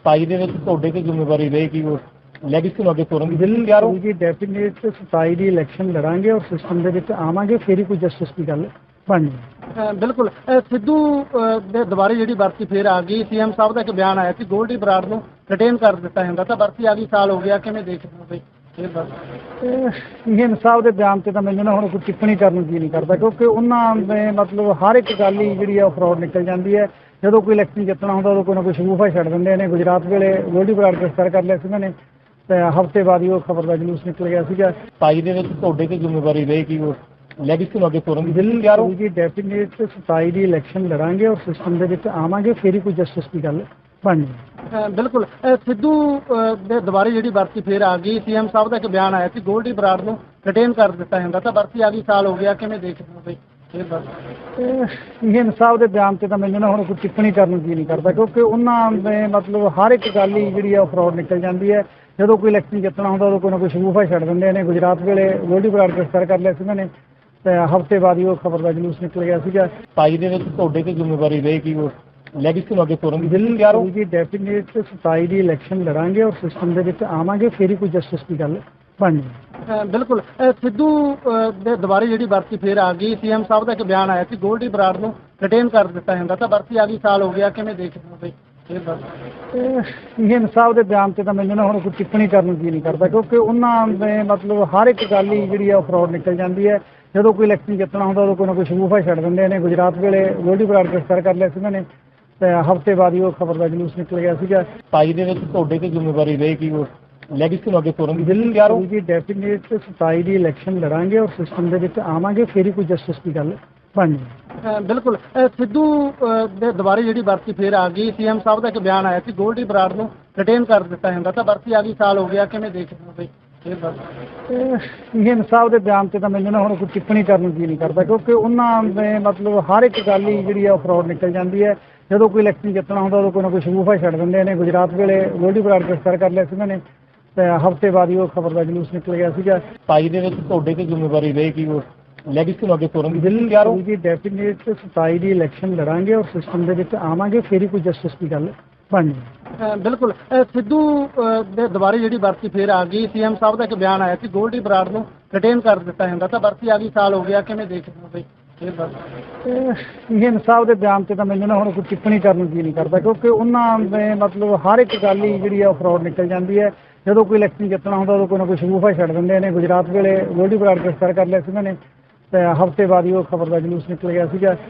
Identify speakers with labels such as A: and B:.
A: 27 ਦੇ ਵਿੱਚ ਤੁਹਾਡੇ ਤੇ ਜ਼ਿੰਮੇਵਾਰੀ ਰਹੇਗੀ ਉਹ ਲੈਗੇਸੀ ਨੂੰ ਅੱਗੇ ਤੋਰਨ ਦੀ ਬਿਲਕੁਲ ਤਿਆਰ ਹੋ।
B: ਜੀ ਡੈਫੀਨੇਟ 27 ਦੀ ਇਲੈਕਸ਼ਨ ਲੜਾਂਗੇ ਔਰ ਸਿਸਟਮ ਦੇ ਵਿੱਚ ਆਵਾਂਗੇ, ਫਿਰ ਹੀ ਕੋਈ ਜਸਟਿਸ ਦੀ ਗੱਲ ਬਣਨੀ।
C: ਬਿਲਕੁਲ ਸਿੱਧੂ ਦੇ ਦੁਬਾਰੇ ਜਿਹੜੀ ਵਰਤੀ ਫੇਰ ਆ ਗਈ। ਸੀਐਮ ਸਾਹਿਬ ਦਾ ਇੱਕ ਬਿਆਨ ਆਇਆ ਸੀ ਗੋਲਡੀ ਬਰਾੜ ਨੂੰ ਰਿਟੇਨ ਕਰ ਦਿੱਤਾ ਜਾਂਦਾ, ਤਾਂ ਵਰਤੀ ਆ ਗਈ, ਸਾਲ ਹੋ ਗਿਆ, ਕਿਵੇਂ ਦੇਖਦੇ ਹੋ ਬਈ
B: ਇਹ ਸਾਹਿਬ ਦੇ ਬਿਆਨ ਤੇ ਤਾਂ ਮੈਨੂੰ ਨਾ ਹੁਣ ਕੋਈ ਟਿੱਪਣੀ ਕਰਨ ਨੂੰ ਜੀ ਨਹੀਂ ਕਰਦਾ, ਕਿਉਂਕਿ ਉਹਨਾਂ ਨੇ ਮਤਲਬ ਹਰ ਇੱਕ ਗੱਲ ਹੀ ਜਿਹੜੀ ਆ ਉਹ ਫਰਾਡ ਨਿਕਲ ਜਾਂਦੀ ਹੈ। ਜਦੋਂ ਕੋਈ ਇਲੈਕਸ਼ਨ ਜਿੱਤਣਾ ਹੁੰਦਾ ਉਦੋਂ ਕੋਈ ਨਾ ਕੋਈ ਸ਼ਗੂਫਾ ਛੱਡ ਦਿੰਦੇ ਨੇ। ਗੁਜਰਾਤ ਵੇਲੇ ਗੋਲਡੀ ਬਰਾੜ ਗ੍ਰਿਫਤਾਰ ਕਰ ਲਿਆ ਸੀ ਉਹਨਾਂ ਨੇ, ਤੇ ਹਫ਼ਤੇ ਬਾਅਦ ਹੀ ਉਹ ਖਬਰ ਦਾ ਜਲੂਸ ਨਿਕਲ ਗਿਆ ਸੀਗਾ।
A: 27 ਦੇ ਵਿੱਚ ਤੁਹਾਡੇ ਤੇ ਜ਼ਿੰਮੇਵਾਰੀ ਰਹੇਗੀ ਉਹ ਲੈਗੇਸੀ ਨੂੰ ਅੱਗੇ ਤੋਰਨ ਦੀ ਬਿਲਕੁਲ ਤਿਆਰ ਹੋ।
B: ਜੀ ਡੈਫੀਨੇਟ 27 ਦੀ ਇਲੈਕਸ਼ਨ ਲੜਾਂਗੇ ਔਰ ਸਿਸਟਮ ਦੇ ਵਿੱਚ ਆਵਾਂਗੇ, ਫਿਰ ਹੀ ਕੋਈ ਜਸਟਿਸ ਦੀ ਗੱਲ ਬਣਨੀ।
C: ਬਿਲਕੁਲ ਸਿੱਧੂ ਦੇ ਦੁਬਾਰੇ ਜਿਹੜੀ ਵਰਤੀ ਫੇਰ ਆ ਗਈ। ਸੀਐਮ ਸਾਹਿਬ ਦਾ ਇੱਕ ਬਿਆਨ ਆਇਆ ਸੀ ਗੋਲਡੀ ਬਰਾੜ ਨੂੰ ਰਿਟੇਨ ਕਰ ਦਿੱਤਾ ਜਾਂਦਾ, ਤਾਂ ਵਰਤੀ ਆ ਗਈ, ਸਾਲ ਹੋ ਗਿਆ, ਕਿਵੇਂ ਦੇਖਦੇ ਹੋ ਬਈ
B: ਇਹ ਸਾਹਿਬ ਦੇ ਬਿਆਨ ਤੇ ਤਾਂ ਮੈਨੂੰ ਨਾ ਹੁਣ ਕੋਈ ਟਿੱਪਣੀ ਕਰਨ ਨੂੰ ਜੀ ਨਹੀਂ ਕਰਦਾ, ਕਿਉਂਕਿ ਉਹਨਾਂ ਨੇ ਮਤਲਬ ਹਰ ਇੱਕ ਗੱਲ ਹੀ ਜਿਹੜੀ ਆ ਉਹ ਫਰਾਡ ਨਿਕਲ ਜਾਂਦੀ ਹੈ। ਜਦੋਂ ਕੋਈ ਇਲੈਕਸ਼ਨ ਜਿੱਤਣਾ ਹੁੰਦਾ ਉਦੋਂ ਕੋਈ ਨਾ ਕੋਈ ਸ਼ਗੂਫਾ ਛੱਡ ਦਿੰਦੇ ਨੇ। ਗੁਜਰਾਤ ਵੇਲੇ ਗੋਲਡੀ ਬਰਾੜ ਗ੍ਰਿਫਤਾਰ ਕਰ ਲਿਆ ਸੀ ਉਹਨਾਂ ਨੇ, ਤੇ ਹਫ਼ਤੇ ਬਾਅਦ ਹੀ ਉਹ ਖਬਰ ਦਾ ਜਲੂਸ ਨਿਕਲ ਗਿਆ ਸੀਗਾ।
A: 27 ਦੇ ਵਿੱਚ ਤੁਹਾਡੇ ਤੇ ਜ਼ਿੰਮੇਵਾਰੀ ਰਹੇਗੀ ਉਹ ਲੈਗੇਸੀ ਨੂੰ ਅੱਗੇ ਤੋਰਨ ਦੀ ਬਿਲਕੁਲ ਤਿਆਰ ਹੋ।
B: ਜੀ ਡੈਫੀਨੇਟ 27 ਦੀ ਇਲੈਕਸ਼ਨ ਲੜਾਂਗੇ ਔਰ ਸਿਸਟਮ ਦੇ ਵਿੱਚ ਆਵਾਂਗੇ, ਫਿਰ ਹੀ ਕੋਈ ਜਸਟਿਸ ਦੀ ਗੱਲ ਬਣਨੀ।
C: ਬਿਲਕੁਲ ਸਿੱਧੂ ਦੇ ਦੁਬਾਰੇ ਜਿਹੜੀ ਵਰਤੀ ਫੇਰ ਆ ਗਈ। ਸੀਐਮ ਸਾਹਿਬ ਦਾ ਇੱਕ ਬਿਆਨ ਆਇਆ ਸੀ ਗੋਲਡੀ ਬਰਾੜ ਨੂੰ ਰਿਟੇਨ ਕਰ ਦਿੱਤਾ ਜਾਂਦਾ, ਤਾਂ ਵਰਤੀ ਆ ਗਈ, ਸਾਲ ਹੋ ਗਿਆ, ਕਿਵੇਂ ਦੇਖਦੇ ਹੋ ਬਈ
B: ਇਹ ਸਾਹਿਬ ਦੇ ਬਿਆਨ ਤੇ ਤਾਂ ਮੈਨੂੰ ਨਾ ਹੁਣ ਕੋਈ ਟਿੱਪਣੀ ਕਰਨ ਨੂੰ ਜੀ ਨਹੀਂ ਕਰਦਾ, ਕਿਉਂਕਿ ਉਹਨਾਂ ਨੇ ਮਤਲਬ ਹਰ ਇੱਕ ਗੱਲ ਹੀ ਜਿਹੜੀ ਆ ਉਹ ਫਰਾਡ ਨਿਕਲ ਜਾਂਦੀ ਹੈ। ਜਦੋਂ ਕੋਈ ਇਲੈਕਸ਼ਨ ਜਿੱਤਣਾ ਹੁੰਦਾ ਉਦੋਂ ਕੋਈ ਨਾ ਕੋਈ ਸ਼ਗੂਫਾ ਛੱਡ ਦਿੰਦੇ ਨੇ। ਗੁਜਰਾਤ ਵੇਲੇ ਗੋਲਡੀ ਬਰਾੜ ਗ੍ਰਿਫਤਾਰ ਕਰ ਲਿਆ ਸੀ ਉਹਨਾਂ ਨੇ, ਤੇ ਹਫ਼ਤੇ ਬਾਅਦ ਹੀ ਉਹ ਖਬਰ ਦਾ ਜਲੂਸ ਨਿਕਲ ਗਿਆ ਸੀਗਾ।
A: 27 ਦੇ ਵਿੱਚ ਤੁਹਾਡੇ ਤੇ ਜ਼ਿੰਮੇਵਾਰੀ ਰਹੇਗੀ ਉਹ ਲੈਗੇਸੀ ਨੂੰ ਅੱਗੇ ਤੋਰਨ ਦੀ ਬਿਲਕੁਲ ਤਿਆਰ ਹੋ।
B: ਜੀ ਡੈਫੀਨੇਟ 27 ਦੀ ਇਲੈਕਸ਼ਨ ਲੜਾਂਗੇ ਔਰ ਸਿਸਟਮ ਦੇ ਵਿੱਚ ਆਵਾਂਗੇ, ਫਿਰ ਹੀ ਕੋਈ ਜਸਟਿਸ ਦੀ ਗੱਲ ਬਣਨੀ।
C: ਬਿਲਕੁਲ ਸਿੱਧੂ ਦੇ ਦੁਬਾਰੇ ਜਿਹੜੀ ਵਰਤੀ ਫੇਰ ਆ ਗਈ। ਸੀਐਮ ਸਾਹਿਬ ਦਾ ਇੱਕ ਬਿਆਨ ਆਇਆ ਸੀ ਗੋਲਡੀ ਬਰਾੜ ਨੂੰ ਰਿਟੇਨ ਕਰ ਦਿੱਤਾ ਜਾਂਦਾ, ਤਾਂ ਵਰਤੀ ਆ ਗਈ, ਸਾਲ ਹੋ ਗਿਆ, ਕਿਵੇਂ ਦੇਖਦੇ ਹੋ ਬਈ
B: ਇਹ ਸਾਹਿਬ ਦੇ ਬਿਆਨ ਤੇ ਤਾਂ ਮੈਨੂੰ ਨਾ ਹੁਣ ਕੋਈ ਟਿੱਪਣੀ ਕਰਨ ਨੂੰ ਜੀ ਨਹੀਂ ਕਰਦਾ, ਕਿਉਂਕਿ ਉਹਨਾਂ ਨੇ ਮਤਲਬ ਹਰ ਇੱਕ ਗੱਲ ਹੀ ਜਿਹੜੀ ਆ ਉਹ ਫਰਾਡ ਨਿਕਲ ਜਾਂਦੀ ਹੈ। ਜਦੋਂ ਕੋਈ ਇਲੈਕਸ਼ਨ ਜਿੱਤਣਾ ਹੁੰਦਾ ਉਦੋਂ ਕੋਈ ਨਾ ਕੋਈ ਸ਼ਗੂਫਾ ਛੱਡ ਦਿੰਦੇ ਨੇ। ਗੁਜਰਾਤ ਵੇਲੇ ਗੋਲਡੀ ਬਰਾੜ ਗ੍ਰਿਫਤਾਰ ਕਰ ਲਿਆ ਸੀ ਉਹਨਾਂ ਨੇ, ਤੇ ਹਫ਼ਤੇ ਬਾਅਦ ਹੀ ਉਹ ਖਬਰ ਦਾ ਜਲੂਸ ਨਿਕਲ ਗਿਆ ਸੀਗਾ।
A: 27 ਦੇ ਵਿੱਚ ਤੁਹਾਡੇ ਤੇ ਜ਼ਿੰਮੇਵਾਰੀ ਰਹੇਗੀ ਉਹ ਲੈਗੇਸੀ ਨੂੰ ਅੱਗੇ ਤੋਰਨ ਦੀ ਬਿਲਕੁਲ ਤਿਆਰ ਹੋ।
B: ਜੀ ਡੈਫੀਨੇਟ 27 ਦੀ ਇਲੈਕਸ਼ਨ ਲੜਾਂਗੇ ਔਰ ਸਿਸਟਮ ਦੇ ਵਿੱਚ ਆਵਾਂਗੇ, ਫਿਰ ਹੀ ਕੋਈ ਜਸਟਿਸ ਦੀ ਗੱਲ ਬਣਨੀ।
C: ਬਿਲਕੁਲ ਸਿੱਧੂ ਦੇ ਦੁਬਾਰੇ ਜਿਹੜੀ ਵਰਤੀ ਫੇਰ ਆ ਗਈ। ਸੀਐਮ ਸਾਹਿਬ ਦਾ ਇੱਕ ਬਿਆਨ ਆਇਆ ਸੀ ਗੋਲਡੀ ਬਰਾੜ ਨੂੰ ਰਿਟੇਨ ਕਰ ਦਿੱਤਾ ਜਾਂਦਾ, ਤਾਂ ਵਰਤੀ ਆ ਗਈ, ਸਾਲ ਹੋ ਗਿਆ, ਕਿਵੇਂ ਦੇਖਦੇ ਹੋ ਬਈ
B: ਇਹ ਸਾਹਿਬ ਦੇ ਬਿਆਨ ਤੇ ਤਾਂ ਮੈਨੂੰ ਨਾ ਹੁਣ ਕੋਈ ਟਿੱਪਣੀ ਕਰਨ ਨੂੰ ਜੀ ਨਹੀਂ ਕਰਦਾ, ਕਿਉਂਕਿ ਉਹਨਾਂ ਨੇ ਮਤਲਬ ਹਰ ਇੱਕ ਗੱਲ ਹੀ ਜਿਹੜੀ ਆ ਉਹ ਫਰਾਡ ਨਿਕਲ ਜਾਂਦੀ ਹੈ। ਜਦੋਂ ਕੋਈ ਇਲੈਕਸ਼ਨ ਜਿੱਤਣਾ ਹੁੰਦਾ ਉਦੋਂ ਕੋਈ ਨਾ ਕੋਈ ਸ਼ਗੂਫਾ ਛੱਡ ਦਿੰਦੇ ਨੇ। ਗੁਜਰਾਤ ਵੇਲੇ ਗੋਲਡੀ ਬਰਾੜ ਗ੍ਰਿਫਤਾਰ ਕਰ ਲਿਆ ਸੀ ਉਹਨਾਂ ਨੇ, ਤੇ ਹਫ਼ਤੇ ਬਾਅਦ ਹੀ ਉਹ ਖਬਰ ਦਾ ਜਲੂਸ ਨਿਕਲ ਗਿਆ ਸੀਗਾ।